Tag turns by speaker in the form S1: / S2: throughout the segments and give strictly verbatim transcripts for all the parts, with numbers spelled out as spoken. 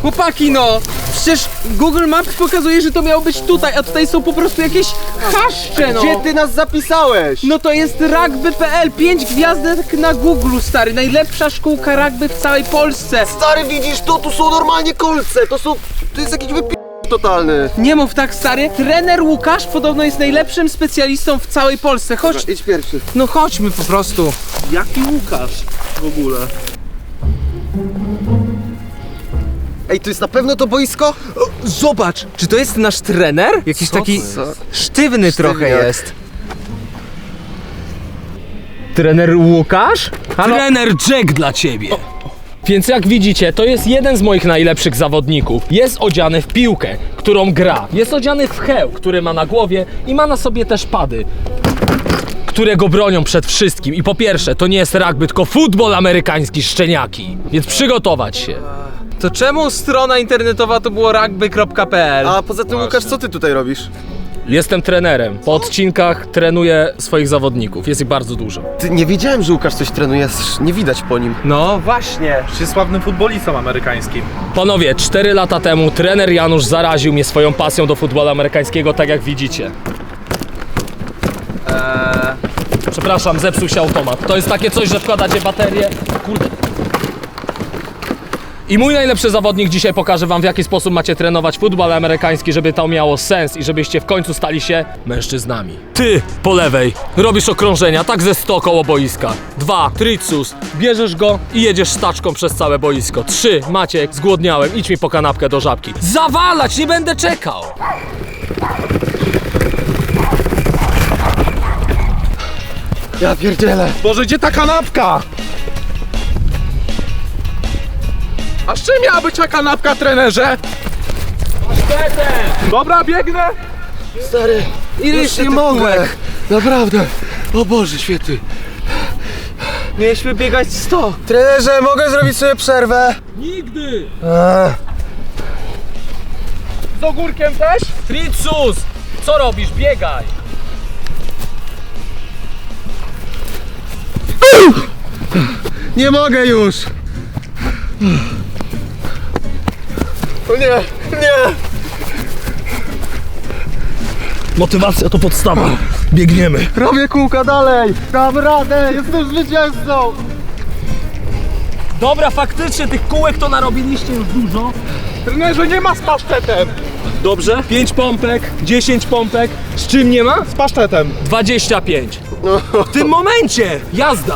S1: Chłopaki, no! Przecież Google Maps pokazuje, że to miało być tutaj, a tutaj są po prostu jakieś chaszcze, no!
S2: Gdzie ty nas zapisałeś?
S1: No to jest rugby kropka p l, pięć gwiazdek na Google, stary, najlepsza szkółka rugby w całej Polsce.
S2: Stary, widzisz to? Tu są normalnie kolce, to są... To jest jakiś wypi... totalny.
S1: Nie mów tak, stary. Trener Łukasz podobno jest najlepszym specjalistą w całej Polsce. Chodź.
S2: Dobra, idź pierwszy.
S1: No chodźmy po prostu.
S3: Jaki Łukasz w ogóle?
S2: Ej, to jest na pewno to boisko?
S1: O, zobacz, czy to jest nasz trener? Jakiś
S2: Co
S1: taki
S2: za-
S1: sztywny trochę
S2: Sztywniak.
S1: jest. Trener Łukasz? Halo?
S4: Trener Jack dla ciebie. Więc jak widzicie, to jest jeden z moich najlepszych zawodników. Jest odziany w piłkę, którą gra. Jest odziany w hełm, który ma na głowie i ma na sobie też pady, które go bronią przed wszystkim. I po pierwsze, to nie jest rugby, tylko futbol amerykański, szczeniaki. Więc przygotować się.
S1: To czemu strona internetowa to było rugby kropka p l?
S2: A poza tym, Łukasz, co ty tutaj robisz?
S4: Jestem trenerem. Po odcinkach trenuję swoich zawodników. Jest ich bardzo dużo.
S2: Ty, nie wiedziałem, że Łukasz coś trenuje, aż nie widać po nim.
S1: No właśnie.
S3: Jest sławnym futbolistą amerykańskim.
S4: Panowie, cztery lata temu trener Janusz zaraził mnie swoją pasją do futbolu amerykańskiego, tak jak widzicie.
S1: Eee,
S4: Przepraszam, zepsuł się automat. To jest takie coś, że wkładacie baterię. Kurde. I mój najlepszy zawodnik dzisiaj pokaże wam, w jaki sposób macie trenować futbol amerykański, żeby to miało sens i żebyście w końcu stali się mężczyznami. Ty, po lewej, robisz okrążenia, tak ze sto koło boiska. Dwa, tricus, bierzesz go i jedziesz staczką przez całe boisko. Trzy, Maciek, zgłodniałem, idź mi po kanapkę do Żabki. Zawalać, nie będę czekał!
S2: Ja pierdzielę.
S3: Boże, gdzie ta kanapka? A z czym miała być ta kanapka, trenerze? Dobra, biegnę.
S2: Stary,
S1: ile
S2: już nie mogę. Naprawdę. O Boże, świetny.
S1: mieliśmy biegać sto.
S2: Trenerze, mogę zrobić sobie przerwę?
S4: Nigdy!
S2: Eee.
S3: Z ogórkiem też?
S4: Tricus! Co robisz? Biegaj!
S2: Nie mogę już. O nie, nie.
S4: Motywacja to podstawa. Biegniemy.
S2: Robię kółka dalej. Dam radę, jestem zwycięzcą.
S4: Dobra, faktycznie tych kółek to narobiliście już dużo.
S3: Trenerze, nie ma z pasztetem.
S4: Dobrze. pięć pompek, dziesięć pompek. Z czym nie ma?
S3: Z pasztetem.
S4: dwadzieścia pięć. W tym momencie jazda.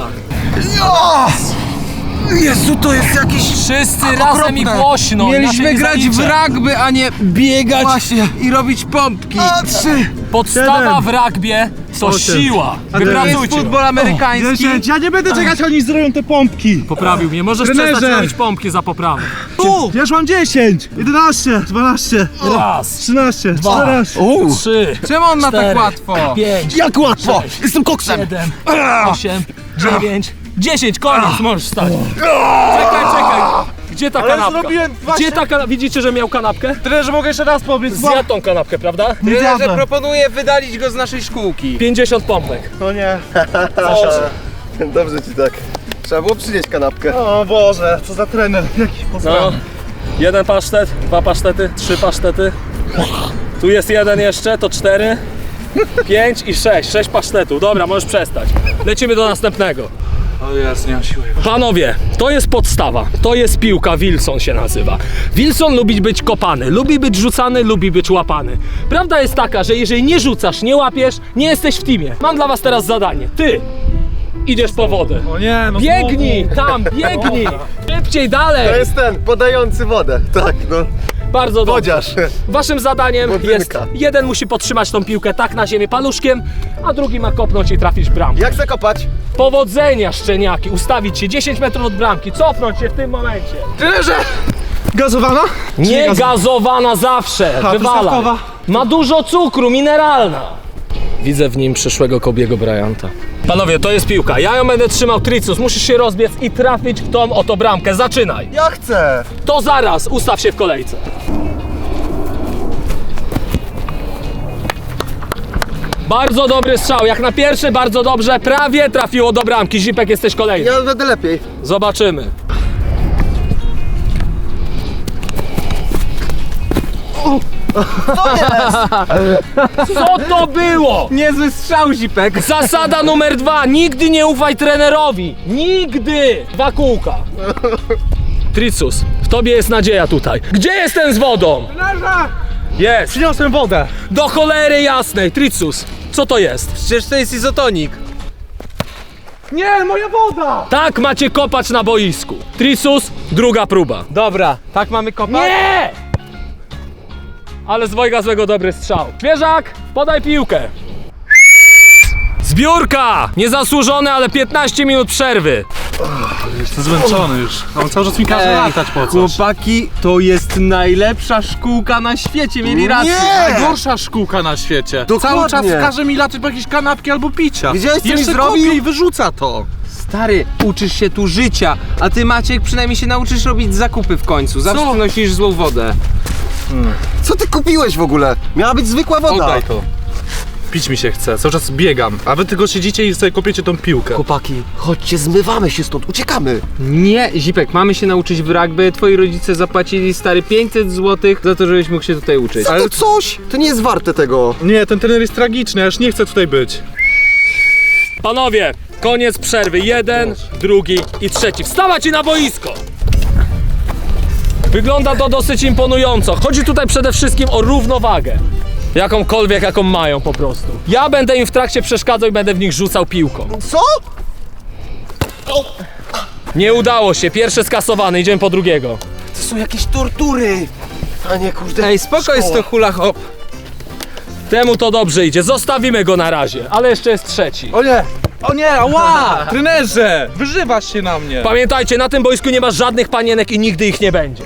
S2: Jezu, to jest jakiś...
S4: Wszyscy razem i głośno.
S1: Mieliśmy
S4: inaczej nie
S1: grać w
S4: zaliczę.
S1: rugby, a nie biegać
S2: Właśnie.
S1: i robić pompki.
S2: A, trzy.
S4: Podstawa w rugby to siła.
S1: To jest
S4: Wypracujcie.
S1: futbol amerykański.
S3: Ja nie będę czekać, oni zrobią te pompki.
S4: Poprawił mnie. Możesz
S3: Trenerze.
S4: przestać robić pompki za poprawę.
S3: Tu! Ja już mam dziesięć, jedenaście, dwanaście,
S4: Raz,
S3: trzynaście, czternaście.
S4: trzy,
S1: Czemu on ma tak
S4: cztery,
S1: łatwo?
S4: pięć,
S2: Jak łatwo. Jestem koksem.
S4: siedem, osiem, dziewięć, dziesięć, koniec, możesz stać. Czekaj, czekaj. Gdzie ta kanapka?
S3: zrobiłem właśnie-
S4: Gdzie ta kanapka? Widzicie, że miał kanapkę?
S3: Trenerze, mogę jeszcze raz powiedzieć?
S4: Zjadł tą kanapkę, prawda?
S1: Trenerze, proponuję wydalić go z naszej szkółki.
S4: pięćdziesiąt pompek.
S3: No nie.
S2: Dobrze ci tak. Trzeba było przynieść kanapkę.
S3: O Boże, co za trener. Jaki
S4: No.
S3: posrany.
S4: Jeden pasztet, dwa pasztety, trzy pasztety. Tu jest jeden jeszcze, to cztery. Pięć i sześć. Sześć pasztetów. Dobra, możesz przestać. Lecimy do następnego.
S3: O jest, nie mam siły.
S4: Panowie, to jest podstawa. To jest piłka, Wilson się nazywa. Wilson lubi być kopany, lubi być rzucany, lubi być łapany. Prawda jest taka, że jeżeli nie rzucasz, nie łapiesz, nie jesteś w teamie. Mam dla was teraz zadanie. Ty idziesz po wodę.
S3: O nie, no
S4: Biegnij, tam, biegnij. Szybciej, dalej.
S2: To jest ten, podający wodę. Tak, no.
S4: Bardzo dobrze.
S2: Wodziarz.
S4: Waszym zadaniem
S2: Wodynka.
S4: jest, jeden musi podtrzymać tą piłkę tak na ziemię paluszkiem, a drugi ma kopnąć i trafić w bramkę.
S2: Jak zakopać?
S4: Powodzenia, szczeniaki, ustawić się dziesięć metrów od bramki, cofnąć się w tym momencie.
S2: Trenerze!
S3: Gazowana?
S4: Nie gazowana zawsze,
S3: A,
S4: wywala.
S3: truskawkowa.
S4: Ma dużo cukru, mineralna. Widzę w nim przyszłego Kobiego Bryanta. Panowie, to jest piłka, ja ją będę trzymał tricus, musisz się rozbiec i trafić w tą oto bramkę, zaczynaj.
S2: Ja chcę.
S4: To zaraz, ustaw się w kolejce. Bardzo dobry strzał, jak na pierwszy bardzo dobrze, prawie trafiło do bramki. Zipek, jesteś kolejny.
S2: Ja będę lepiej.
S4: Zobaczymy. Co to było?
S1: Niezły strzał, Zipek.
S4: Zasada numer dwa. Nigdy nie ufaj trenerowi. Nigdy. Dwa kółka. Tricus, w tobie jest nadzieja tutaj. Gdzie jest ten z wodą?
S3: Trenerze!
S4: Jest.
S3: Przyniosłem wodę.
S4: Do cholery jasnej. Tricus, co to jest?
S1: Przecież to jest izotonik.
S3: Nie, moja woda!
S4: Tak macie kopać na boisku. Tricus, druga próba.
S1: Dobra, tak mamy kopać?
S4: Nie! Ale z dwojga złego dobry strzał. Świeżak, podaj piłkę. Zbiórka! Niezasłużone, ale piętnaście minut przerwy.
S3: Jestem zmęczony już. On cały czas mi każe
S1: Ej,
S3: latać po coś.
S1: chłopaki, to jest najlepsza szkółka na świecie, mieli rację.
S2: Nie!
S3: Najgorsza szkółka na świecie.
S2: Dokładnie.
S3: Cały czas każe mi latać po jakieś kanapki albo picia.
S2: Widziałeś, co mi
S3: Jeszcze
S2: zrobił?
S3: kopie i wyrzuca to.
S1: Stary, uczysz się tu życia, a ty, Maciek, przynajmniej się nauczysz robić zakupy w końcu. Zawsze
S3: Co?
S1: ty nosisz złą wodę.
S2: Co ty kupiłeś w ogóle? Miała być zwykła woda.
S3: Oddaj to. Pić mi się chce, cały czas biegam. A wy tylko siedzicie i sobie kopiecie tą piłkę.
S2: Chłopaki, chodźcie, zmywamy się stąd, uciekamy.
S1: Nie, Zipek, mamy się nauczyć w rugby. Twoi rodzice zapłacili, stary, pięćset złotych za to, żebyś mógł się tutaj uczyć.
S2: Ale to coś, to nie jest warte tego.
S3: Nie, ten trener jest tragiczny, ja już nie chcę tutaj być.
S4: Panowie, koniec przerwy. Jeden, drugi i trzeci. Wstawać i na boisko! Wygląda to dosyć imponująco. Chodzi tutaj przede wszystkim o równowagę. Jakąkolwiek, jaką mają po prostu. Ja będę im w trakcie przeszkadzał i będę w nich rzucał piłką.
S2: Co?
S4: Nie udało się. Pierwszy skasowany. Idziemy po drugiego.
S2: To są jakieś tortury. A nie, kurde.
S1: Ej, spoko jest to hula hop.
S4: Temu to dobrze idzie. Zostawimy go na razie. Ale jeszcze jest trzeci.
S3: O nie! O nie, ała! Trenerze! Wyżywasz się na mnie!
S4: Pamiętajcie, na tym boisku nie ma żadnych panienek i nigdy ich nie będzie.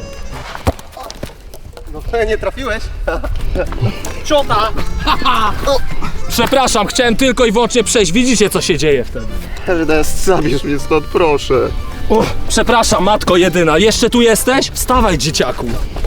S2: No, nie trafiłeś?
S4: Ciota! Przepraszam, chciałem tylko i wyłącznie przejść. Widzicie, co się dzieje wtedy.
S2: Ernest, zabierz mnie stąd, proszę.
S4: O, przepraszam, matko jedyna. Jeszcze tu jesteś? Wstawaj, dzieciaku.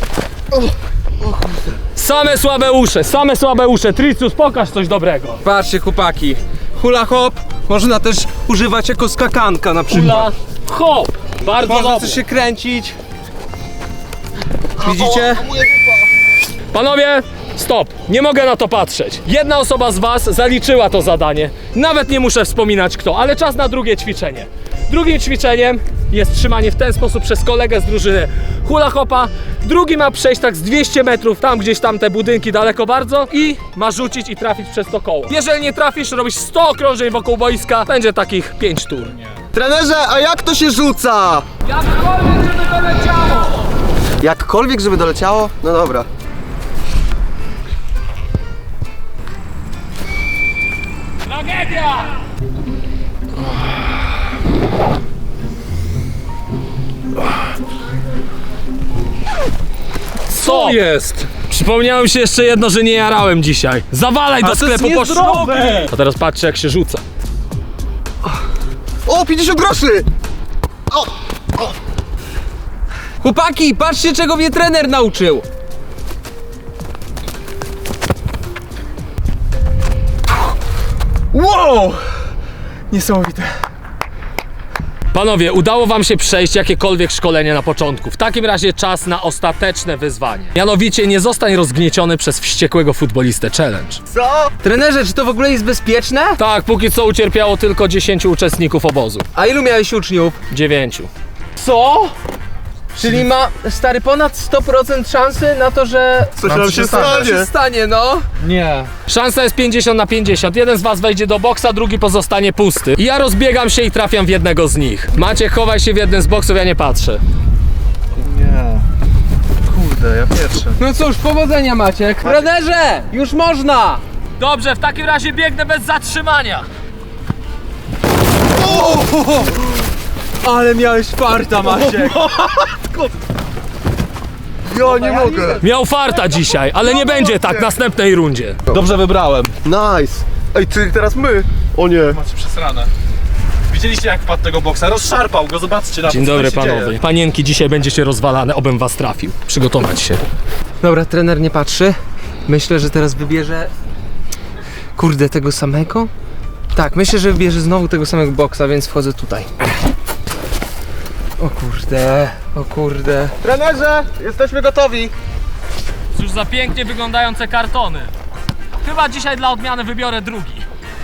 S4: Same słabe usze, same słabe usze. Tricus, pokaż coś dobrego.
S1: Patrzcie, chłopaki. Hula hop można też używać jako skakanka na przykład.
S4: Hula, hop. Bardzo
S1: Można
S4: dobrze.
S1: też się kręcić. Widzicie?
S4: Panowie, stop. Nie mogę na to patrzeć. Jedna osoba z was zaliczyła to zadanie. Nawet nie muszę wspominać kto, ale czas na drugie ćwiczenie. Drugim ćwiczeniem jest trzymanie w ten sposób przez kolegę z drużyny hula hopa. Drugi ma przejść tak z dwieście metrów, tam gdzieś tam te budynki daleko bardzo i ma rzucić i trafić przez to koło. Jeżeli nie trafisz, robisz sto okrążeń wokół boiska, będzie takich pięć tur.
S2: Trenerze, a jak to się rzuca?
S4: Jakkolwiek, żeby to leciało!
S2: Jakkolwiek, żeby doleciało? No dobra.
S4: Tragedia! Co
S3: jest?
S4: Przypomniałem się jeszcze jedno, że nie jarałem dzisiaj. Zawalaj do
S3: to jest
S4: sklepu po
S3: niezdrowe.
S4: szlugi! A teraz patrzcie, jak się rzuca.
S2: O, pięćdziesiąt groszy!
S1: Chłopaki, patrzcie, czego mnie trener nauczył.
S3: Wow! Niesamowite.
S4: Panowie, udało wam się przejść jakiekolwiek szkolenie na początku. W takim razie czas na ostateczne wyzwanie. Mianowicie nie zostań rozgnieciony przez wściekłego futbolistę challenge.
S2: Co?
S1: Trenerze, czy to w ogóle jest bezpieczne?
S4: Tak, póki co ucierpiało tylko dziesięciu uczestników obozu.
S1: A ilu miałeś uczniów?
S4: Dziewięciu.
S1: Co? Czyli ma, stary, ponad sto procent szansy na to, że
S2: Coś
S3: nam
S2: nam
S3: się
S2: się
S3: stanie.
S2: stanie.
S1: stanie, no.
S3: Nie.
S4: Szansa jest pięćdziesiąt na pięćdziesiąt. Jeden z was wejdzie do boksa, drugi pozostanie pusty. I ja rozbiegam się i trafiam w jednego z nich. Maciek, chowaj się w jednym z boksów, ja nie patrzę.
S3: Nie. Kurde, ja pierwszy.
S1: No cóż, powodzenia, Maciek. Trenerze, już można.
S4: Dobrze, w takim razie biegnę bez zatrzymania.
S1: Ale miałeś farta, Maciek.
S2: Ja nie mogę.
S4: Miał farta dzisiaj, ale nie będzie tak w następnej rundzie.
S3: Dobrze wybrałem.
S2: Nice. Ej, czyli teraz my? O nie.
S3: Macie przesrane. Widzieliście jak wpadł tego boksa? Rozszarpał go, zobaczcie na to,
S4: Dzień
S3: co
S4: dobry
S3: tam się
S4: panowie.
S3: dzieje.
S4: Panienki, dzisiaj będziecie rozwalane, obym was trafił. Przygotować się.
S1: Dobra, trener nie patrzy. Myślę, że teraz wybierze... Kurde, tego samego? Tak, myślę, że wybierze znowu tego samego boksa, więc wchodzę tutaj. O kurde, o kurde.
S2: Trenerze, jesteśmy gotowi.
S4: Już za pięknie wyglądające kartony. Chyba dzisiaj dla odmiany wybiorę drugi.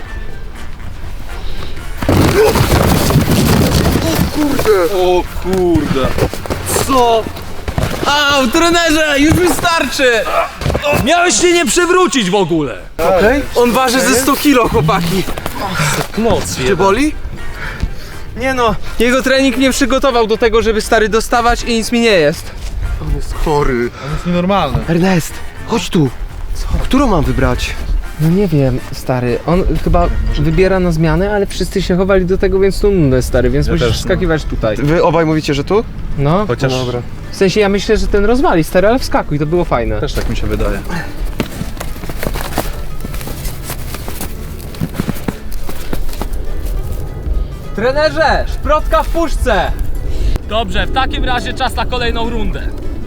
S3: O kurde.
S2: Co?
S1: Au, trenerze, już wystarczy!
S4: Miałeś się nie przewrócić w ogóle.
S2: Okej?
S1: On waży ze sto kilo, chłopaki.
S4: Moc
S2: Cię boli?
S1: Nie no, jego trening mnie przygotował do tego, żeby stary dostawać i nic mi nie jest.
S2: On jest chory.
S3: To jest nienormalne.
S2: Ernest, chodź tu. Którą mam wybrać?
S1: No nie wiem, stary, on chyba wybiera na zmianę, ale wszyscy się chowali do tego, więc tu nudne, stary, więc
S3: Ja
S1: musisz
S3: też, no.
S1: wskakiwać tutaj.
S2: Wy obaj mówicie, że tu?
S1: No,
S3: Chociaż
S2: No dobra.
S1: w sensie ja myślę, że ten rozwali, stary, ale wskakuj, to było fajne.
S3: też tak mi się wydaje.
S1: Trenerze, szprotka w puszce!
S4: Dobrze, w takim razie czas na kolejną rundę.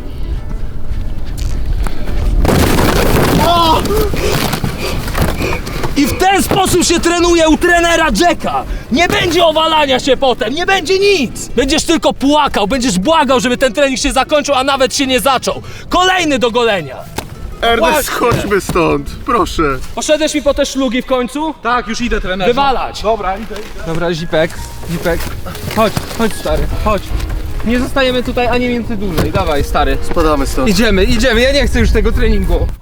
S4: I w ten sposób się trenuje u trenera Jacka. Nie będzie owalania się potem, nie będzie nic. Będziesz tylko płakał, będziesz błagał, żeby ten trening się zakończył, a nawet się nie zaczął. Kolejny do golenia.
S2: Ernest, chodźmy stąd, proszę.
S4: Poszedłeś mi po te szlugi w końcu?
S3: Tak, już idę, trenerze.
S4: Wywalać.
S3: Dobra, idę, idę.
S1: Dobra, Zipek, Zipek, chodź, chodź stary, chodź. Nie zostajemy tutaj ani minuty dłużej, dawaj stary.
S2: Spadamy stąd.
S1: Idziemy, idziemy, ja nie chcę już tego treningu.